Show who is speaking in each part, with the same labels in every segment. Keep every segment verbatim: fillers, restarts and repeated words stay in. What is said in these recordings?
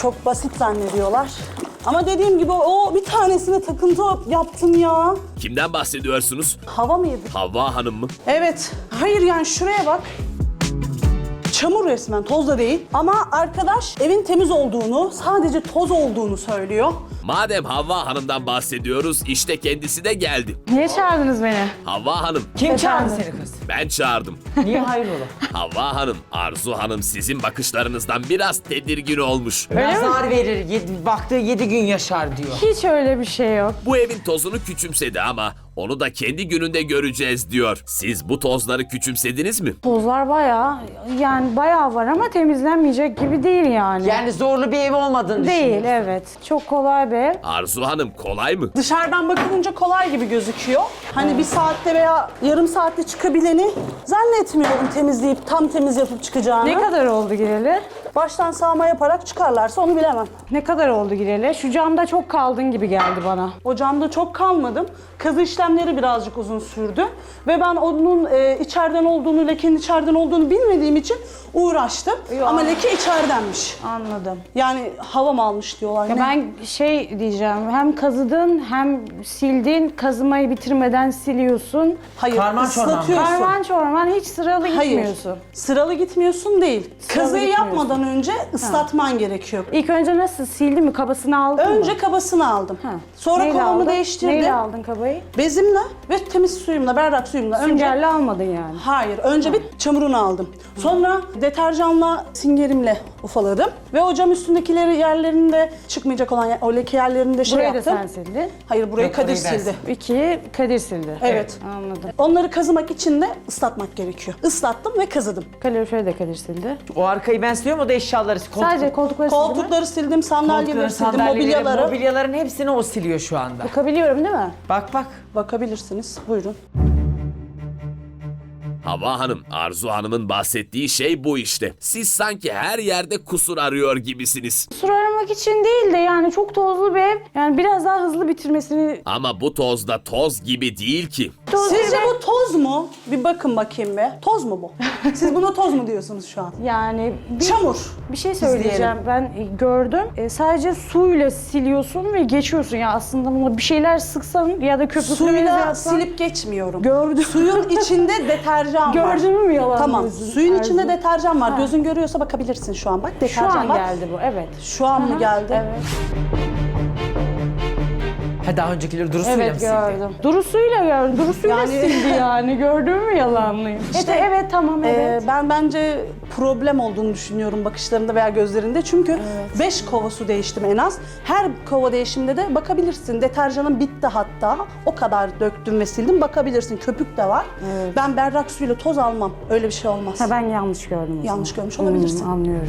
Speaker 1: Çok basit zannediyorlar. Ama dediğim gibi o bir tanesine takıntı yaptım ya.
Speaker 2: Kimden bahsediyorsunuz?
Speaker 1: Hava mıydı?
Speaker 2: Havva Hanım mı?
Speaker 1: Evet. Hayır yani şuraya bak. Çamur resmen, toz da değil. Ama arkadaş evin temiz olduğunu, sadece toz olduğunu söylüyor.
Speaker 2: Madem Havva Hanım'dan bahsediyoruz, işte kendisi de geldi.
Speaker 3: Niye çağırdınız beni?
Speaker 2: Havva Hanım,
Speaker 4: Kim çağırdı
Speaker 3: Efendim?
Speaker 4: seni kız?
Speaker 2: ben çağırdım.
Speaker 4: Niye hayrola?
Speaker 2: Havva Hanım, Arzu Hanım sizin bakışlarınızdan biraz tedirgin olmuş.
Speaker 4: Nazar verir, yedi, baktığı yedi gün yaşar diyor.
Speaker 3: Hiç öyle bir şey yok.
Speaker 2: Bu evin tozunu küçümsedi ama onu da kendi gününde göreceğiz diyor. Siz bu tozları küçümsediniz mi?
Speaker 3: Tozlar bayağı, yani bayağı var ama temizlenmeyecek gibi değil yani.
Speaker 4: Yani zorlu bir ev olmadığını
Speaker 3: Değil,
Speaker 4: düşünüyorsun.
Speaker 3: evet. Çok kolay bir ev.
Speaker 2: Arzu Hanım kolay mı?
Speaker 1: Dışarıdan bakılınca kolay gibi gözüküyor. Hani bir saatte veya yarım saatte çıkabileni zannetmiyorum temizleyip tam temiz yapıp çıkacağını.
Speaker 3: Ne kadar oldu gireli?
Speaker 1: Baştan sağma yaparak çıkarlarsa onu bilemem.
Speaker 3: Ne kadar oldu gireli? Şu camda çok kaldın gibi geldi bana.
Speaker 1: O camda çok kalmadım. Kazı işlemleri birazcık uzun sürdü. Ve ben onun e, içeriden olduğunu, lekenin içeriden olduğunu bilmediğim için uğraştım.
Speaker 3: Yok.
Speaker 1: Ama leke içeridenmiş.
Speaker 3: Anladım.
Speaker 1: Yani hava mı almış diyorlar.
Speaker 3: Ya
Speaker 1: ne?
Speaker 3: ben şey diyeceğim, hem kazıdın hem sildin, kazımayı bitirmeden siliyorsun.
Speaker 1: Hayır,
Speaker 4: Karman çorman mı?
Speaker 1: ıslatıyorsun.
Speaker 3: Karman çorman hiç sıralı
Speaker 1: Hayır.
Speaker 3: gitmiyorsun.
Speaker 1: Sıralı gitmiyorsun değil.
Speaker 3: Sıralı
Speaker 1: Kazıyı
Speaker 3: gitmiyorsun.
Speaker 1: yapmadan önce ıslatman gerekiyor.
Speaker 3: İlk önce nasıl sildin mi? Kabasını aldın mı?
Speaker 1: Önce kabasını aldım.
Speaker 3: Ha.
Speaker 1: Sonra
Speaker 3: Neyle
Speaker 1: kovamı
Speaker 3: aldın?
Speaker 1: değiştirdim.
Speaker 3: Neyle aldın kabayı?
Speaker 1: Bezimle ve temiz suyumla, berrak suyumla. Önce
Speaker 3: Süngerle almadın yani.
Speaker 1: Hayır, önce bir çamurunu aldım. Sonra deterjanla, singerimle ufaladım. Ve o cam üstündekileri yerlerinde çıkmayacak olan yer- o leke yerlerini de şey
Speaker 3: Burayı da
Speaker 1: yaptım.
Speaker 3: sen sildin.
Speaker 1: Hayır, burayı
Speaker 4: Yok,
Speaker 1: Kadir
Speaker 4: orayı ben
Speaker 1: sildi.
Speaker 3: İkiyi Kadir sildi.
Speaker 1: Evet.
Speaker 3: Anladım.
Speaker 1: Onları kazımak için de ıslatmak gerekiyor. Islattım ve kazıdım.
Speaker 3: Kaloriferi de Kadir sildi.
Speaker 4: O arkayı ben siliyorum, o da eşyaları. Koltuk,
Speaker 3: Sadece koltukları sildin mi?
Speaker 1: Koltukları sildim, sandalyeleri
Speaker 4: koltukları,
Speaker 1: sildim,
Speaker 4: sandalyeleri,
Speaker 1: mobilyaları.
Speaker 4: mobilyaların hepsini o siliyor şu anda.
Speaker 3: Bakabiliyorum değil mi?
Speaker 4: Bak bak.
Speaker 1: Bakabilirsiniz. Buyurun.
Speaker 2: Havva Hanım, Arzu Hanım'ın bahsettiği şey bu işte. Siz sanki her yerde kusur arıyor gibisiniz.
Speaker 3: Kusur aramak için değil de yani çok tozlu bir ev. Yani biraz daha hızlı bitirmesini...
Speaker 2: Ama bu toz da toz gibi değil ki.
Speaker 3: Toz
Speaker 1: Sizce
Speaker 3: gibi-
Speaker 1: bu toz mu? Bir bakın bakayım be. Toz mu bu? Siz buna toz mu diyorsunuz şu an?
Speaker 3: Yani bir,
Speaker 1: Çamur.
Speaker 3: bir şey söyleyeceğim. Ben e, gördüm. E, sadece suyla siliyorsun ve geçiyorsun. Ya aslında buna bir şeyler sıksan ya da köpüklü
Speaker 1: Suyla
Speaker 3: yapsan...
Speaker 1: silip geçmiyorum.
Speaker 3: Gördüm.
Speaker 1: Suyun içinde deterjan var.
Speaker 3: Gördün mü yalan
Speaker 1: Tamam.
Speaker 3: diyorsun,
Speaker 1: Suyun
Speaker 3: Arzu?
Speaker 1: içinde deterjan var.
Speaker 3: Ha.
Speaker 1: Gözün görüyorsa bakabilirsin şu an. Bak
Speaker 3: Şu
Speaker 1: deterjan
Speaker 3: an
Speaker 1: var.
Speaker 3: geldi bu, evet.
Speaker 1: Şu an mı
Speaker 3: Aha,
Speaker 1: geldi?
Speaker 3: Evet.
Speaker 4: Ha, daha öncekileri durusuyla mı
Speaker 3: Evet
Speaker 4: sildi?
Speaker 3: gördüm. Durusuyla gördüm. Durusuyla
Speaker 1: Yani-
Speaker 3: sildi yani. Gördün mü yalanlıyım?
Speaker 1: İşte,
Speaker 3: evet, evet tamam
Speaker 1: Ee,
Speaker 3: evet.
Speaker 1: ben bence problem olduğunu düşünüyorum bakışlarında veya gözlerinde. Çünkü beş kova su değiştim en az. Her kova değişimde de bakabilirsin. Deterjanım bitti hatta. O kadar döktüm ve sildim. Bakabilirsin. Köpük de var. Ben berrak suyla toz almam. Öyle bir şey olmaz.
Speaker 3: Ha, ben yanlış gördüm o
Speaker 1: Yanlış
Speaker 3: zaman.
Speaker 1: görmüş olabilirsin.
Speaker 3: Hmm, anlıyorum.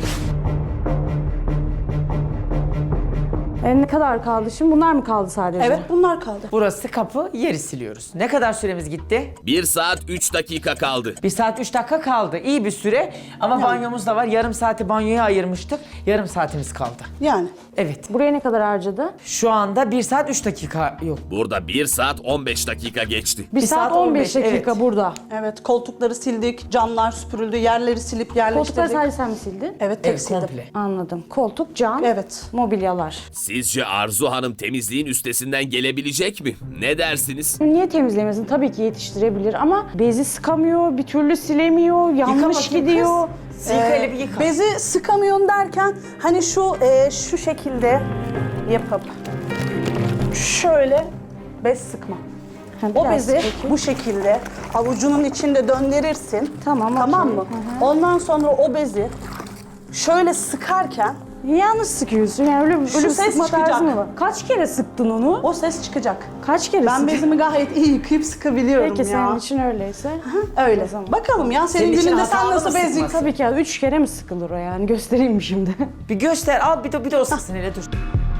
Speaker 3: E, ne kadar kaldı şimdi? Bunlar mı kaldı sadece?
Speaker 1: Evet, bunlar kaldı.
Speaker 4: Burası kapı, yeri siliyoruz. Ne kadar süremiz gitti?
Speaker 2: bir saat üç dakika kaldı.
Speaker 4: Bir saat üç dakika kaldı. İyi bir süre ama banyomuz da var. Yarım saati banyoya ayırmıştık. Yarım saatimiz kaldı.
Speaker 1: Yani.
Speaker 4: Evet.
Speaker 3: Buraya ne kadar harcadı?
Speaker 4: Şu anda bir saat üç dakika yok.
Speaker 2: Burada bir saat on beş dakika geçti.
Speaker 3: Bir, saat on beş dakika
Speaker 4: evet.
Speaker 3: burada.
Speaker 1: Evet, koltukları sildik, camlar süpürüldü, yerleri silip yerleştirdik.
Speaker 3: Koltukları sadece sen mi sildin?
Speaker 1: Evet, tek
Speaker 4: Evet,
Speaker 1: sildim.
Speaker 4: komple.
Speaker 3: Anladım. Koltuk, cam,
Speaker 1: Evet.
Speaker 3: mobilyalar.
Speaker 2: Sizce Arzu Hanım temizliğin üstesinden gelebilecek mi? Ne dersiniz?
Speaker 3: Niye temizlemesin? Tabii ki yetiştirebilir ama bezi sıkamıyor, bir türlü silemiyor, yanlış
Speaker 4: Yıka bakayım
Speaker 3: gidiyor.
Speaker 4: kız. Silka
Speaker 1: Ee,
Speaker 4: ile bir yıka.
Speaker 1: Bezi sıkamıyorum derken hani şu e, şu şekilde yapıp şöyle bez sıkma.
Speaker 3: Ha,
Speaker 1: O
Speaker 3: biraz
Speaker 1: bezi
Speaker 3: peki.
Speaker 1: bu şekilde avucunun içinde döndürürsün.
Speaker 3: Tamam,
Speaker 1: Tamam
Speaker 3: okey.
Speaker 1: mı?
Speaker 3: Hı hı.
Speaker 1: Ondan sonra o bezi şöyle sıkarken
Speaker 3: Yanlış sıkıyorsun yani öyle, öyle
Speaker 1: Şu
Speaker 3: bir
Speaker 1: ses
Speaker 3: sıkma
Speaker 1: çıkacak.
Speaker 3: tarzı mı var? Kaç kere sıktın onu?
Speaker 1: o ses çıkacak.
Speaker 3: Kaç kere
Speaker 1: Ben
Speaker 3: sıktın?
Speaker 1: bezimi gayet iyi yıkayıp sıkabiliyorum
Speaker 3: Peki
Speaker 1: ya.
Speaker 3: senin için öyleyse.
Speaker 1: Öyle.
Speaker 3: O zaman.
Speaker 1: Bakalım ya senin,
Speaker 4: Senin için
Speaker 1: gününde sen
Speaker 4: hatalı
Speaker 1: nasıl
Speaker 4: mı
Speaker 1: bez
Speaker 4: sıkması?
Speaker 1: yıkadın?
Speaker 3: Tabii ki ya, üç kere mi sıkılır o yani? Göstereyim mi şimdi?
Speaker 4: Bir göster, al bir de, bir de o sıksın hele dur.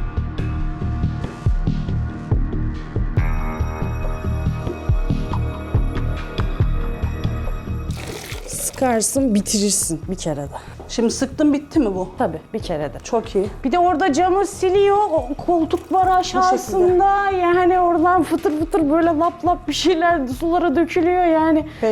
Speaker 3: Sıkarsın, bitirirsin bir kere de.
Speaker 1: Şimdi sıktım bitti mi bu?
Speaker 3: Tabii bir kere de.
Speaker 1: Çok iyi.
Speaker 3: Bir de orada camı siliyor, o koltuk var aşağısında. Yani oradan fıtır fıtır böyle lap lap bir şeyler sulara dökülüyor yani.
Speaker 1: Belli.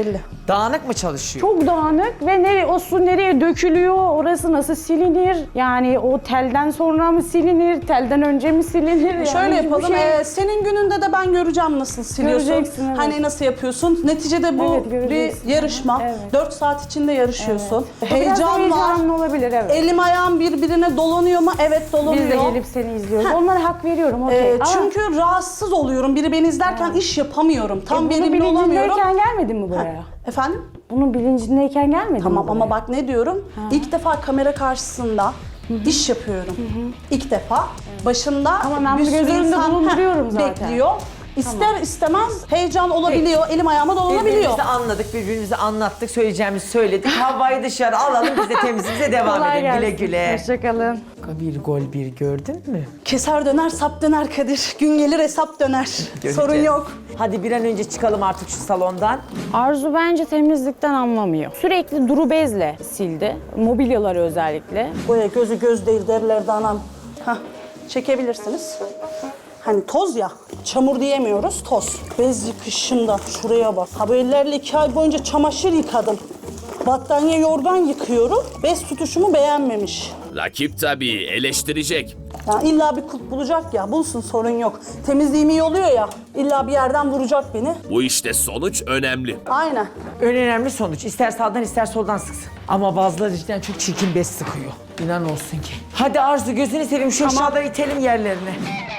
Speaker 4: Dağınık mı çalışıyor?
Speaker 3: Çok dağınık ve nereye, o su nereye dökülüyor, orası nasıl silinir? Yani o telden sonra mı silinir, telden önce mi silinir? Yani
Speaker 1: Şöyle
Speaker 3: hiçbir
Speaker 1: yapalım.
Speaker 3: şey-
Speaker 1: ee, senin gününde de ben göreceğim nasıl siliyorsun.
Speaker 3: Göreceksin, evet.
Speaker 1: Hani nasıl yapıyorsun. Neticede bu
Speaker 3: Evet, göreceksin.
Speaker 1: bir yarışma.
Speaker 3: Evet.
Speaker 1: dört saat içinde yarışıyorsun.
Speaker 3: Biraz
Speaker 1: Heyecan var.
Speaker 3: heyecanlı olabilir, evet.
Speaker 1: Elim ayağım birbirine dolanıyor mu? Evet dolanıyor.
Speaker 3: Biz de gelip seni izliyoruz. Onlara hak veriyorum, okey.
Speaker 1: Ee,
Speaker 3: Ama
Speaker 1: çünkü rahatsız oluyorum. Biri beni izlerken iş yapamıyorum. Tam
Speaker 3: e, bunun
Speaker 1: verimli olamıyorum.
Speaker 3: bilincindeyken gelmedin mi buraya?
Speaker 1: Efendim?
Speaker 3: Bunun bilincindeyken gelmedin
Speaker 1: Tamam
Speaker 3: mi buraya?
Speaker 1: ama bak ne diyorum? İlk defa kamera karşısında iş yapıyorum. İlk defa. Başında
Speaker 3: Ama ben
Speaker 1: bir
Speaker 3: bunu
Speaker 1: sürü
Speaker 3: göz önünde
Speaker 1: insan
Speaker 3: bulunduruyorum zaten.
Speaker 1: bekliyor. İster istemez heyecan olabiliyor. Elim ayağıma dolanabiliyor.
Speaker 4: Birbirimizi anladık, birbirimizi anlattık, söyleyeceğimizi söyledik. Havayı dışarı alalım, biz de temizliğimize devam
Speaker 3: Kolay
Speaker 4: edelim. Güle
Speaker 3: gelsin.
Speaker 4: güle.
Speaker 3: Hoşçakalın.
Speaker 4: Bir gol bir gördün mü?
Speaker 1: Keser döner, sap döner Kadir. Gün gelir hesap döner.
Speaker 4: Göreceğiz.
Speaker 1: Sorun yok.
Speaker 4: Hadi bir an önce çıkalım artık şu salondan.
Speaker 3: Arzu bence temizlikten anlamıyor. Sürekli duru bezle sildi. Mobilyaları özellikle.
Speaker 1: Boya gözü göz değil derlerdi anam. Hah, çekebilirsiniz. Hani toz ya, çamur diyemiyoruz, toz. Bez yıkışında, şuraya bak. Ha bu ellerle iki ay boyunca çamaşır yıkadım. Battaniye yorgan yıkıyorum. Bez tutuşumu beğenmemiş.
Speaker 2: Rakip tabii eleştirecek.
Speaker 1: Ya illa bir kulp bulacak ya, bulsun sorun yok. Temizliğim iyi oluyor ya, illa bir yerden vuracak beni.
Speaker 2: Bu işte sonuç önemli.
Speaker 1: Aynen.
Speaker 4: En önemli sonuç. İster sağdan ister soldan sıksın. Ama bazıları cidden çok çirkin bez sıkıyor. İnan olsun ki. Hadi Arzu gözünü seveyim şu
Speaker 1: Tamam.
Speaker 4: aşağıdan itelim yerlerine.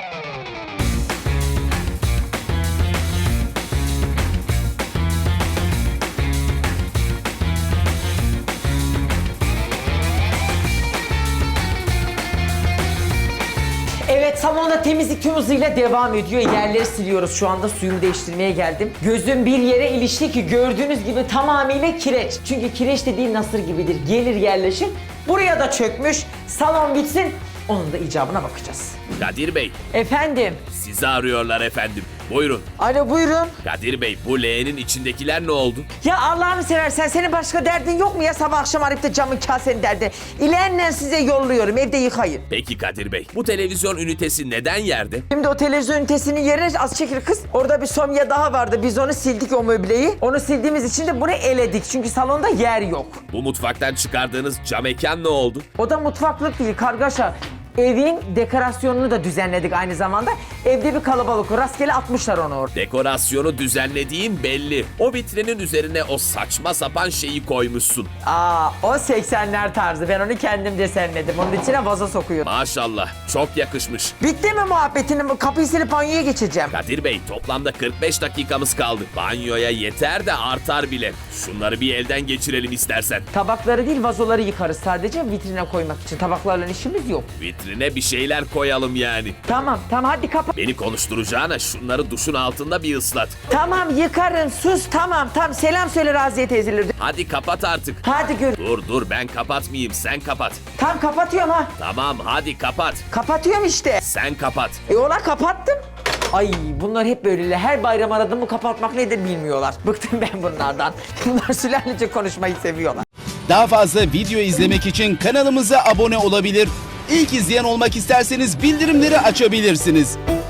Speaker 4: Evet, salonda temizlik tüm hızıyla devam ediyor. Yerleri siliyoruz şu anda. Suyumu değiştirmeye geldim. Gözüm bir yere ilişti ki gördüğünüz gibi tamamıyla kireç. Çünkü kireç dediğin nasır gibidir. Gelir yerleşir. Buraya da çökmüş. Salon bitsin. Onun da icabına bakacağız.
Speaker 2: Kadir Bey,
Speaker 4: Efendim.
Speaker 2: sizi arıyorlar efendim. Buyurun.
Speaker 4: Alo buyurun.
Speaker 2: Kadir Bey, bu leğenin içindekiler ne oldu?
Speaker 4: Ya Allah'ını seversen senin başka derdin yok mu ya sabah akşam arayıp da camın kasenin derdi. İleyenle size yolluyorum evde yıkayın.
Speaker 2: Peki Kadir Bey, bu televizyon ünitesi neden yerde?
Speaker 4: Şimdi o televizyon ünitesinin yerine az çekil kız. Orada bir somya daha vardı. Biz onu sildik o möbleyi. Onu sildiğimiz için de bunu eledik. Çünkü salonda yer yok.
Speaker 2: Bu mutfaktan çıkardığınız cam mekan ne oldu?
Speaker 4: O da mutfaklık değil kargaşa. Evin dekorasyonunu da düzenledik aynı zamanda. Evde bir kalabalık. Rastgele atmışlar onu orada.
Speaker 2: Dekorasyonu düzenlediğin belli. O vitrinin üzerine o saçma sapan şeyi koymuşsun.
Speaker 4: Aa, o seksenler tarzı. Ben onu kendim desenledim. Onun içine vazo sokuyorum.
Speaker 2: Maşallah, çok yakışmış.
Speaker 4: Bitti mi muhabbetinin? Kapıyı silip banyoya geçeceğim.
Speaker 2: Kadir Bey, toplamda kırk beş dakikamız kaldı. Banyoya yeter de artar bile. Şunları bir elden geçirelim istersen.
Speaker 4: Tabakları değil vazoları yıkarız sadece vitrine koymak için. Tabaklarla işimiz yok.
Speaker 2: Vitrine bir şeyler koyalım yani.
Speaker 4: Tamam tamam hadi kapat.
Speaker 2: Beni konuşturacağına şunları duşun altında bir ıslat.
Speaker 4: Tamam yıkarım sus tamam tamam selam söyle Raziye teyzeleri.
Speaker 2: Hadi kapat artık.
Speaker 4: Hadi gör.
Speaker 2: Dur dur, ben kapatmayayım, sen kapat.
Speaker 4: Tamam kapatıyorum ha.
Speaker 2: Tamam, hadi kapat.
Speaker 4: Kapatıyorum işte.
Speaker 2: Sen kapat.
Speaker 4: E ona kapattım. Ay bunlar hep böyleler. Her bayram aradığımı kapatmak nedir bilmiyorlar. Bıktım ben bunlardan. Bunlar sülalece konuşmayı seviyorlar.
Speaker 5: Daha fazla video izlemek için kanalımıza abone olabilir. İlk izleyen olmak isterseniz bildirimleri açabilirsiniz.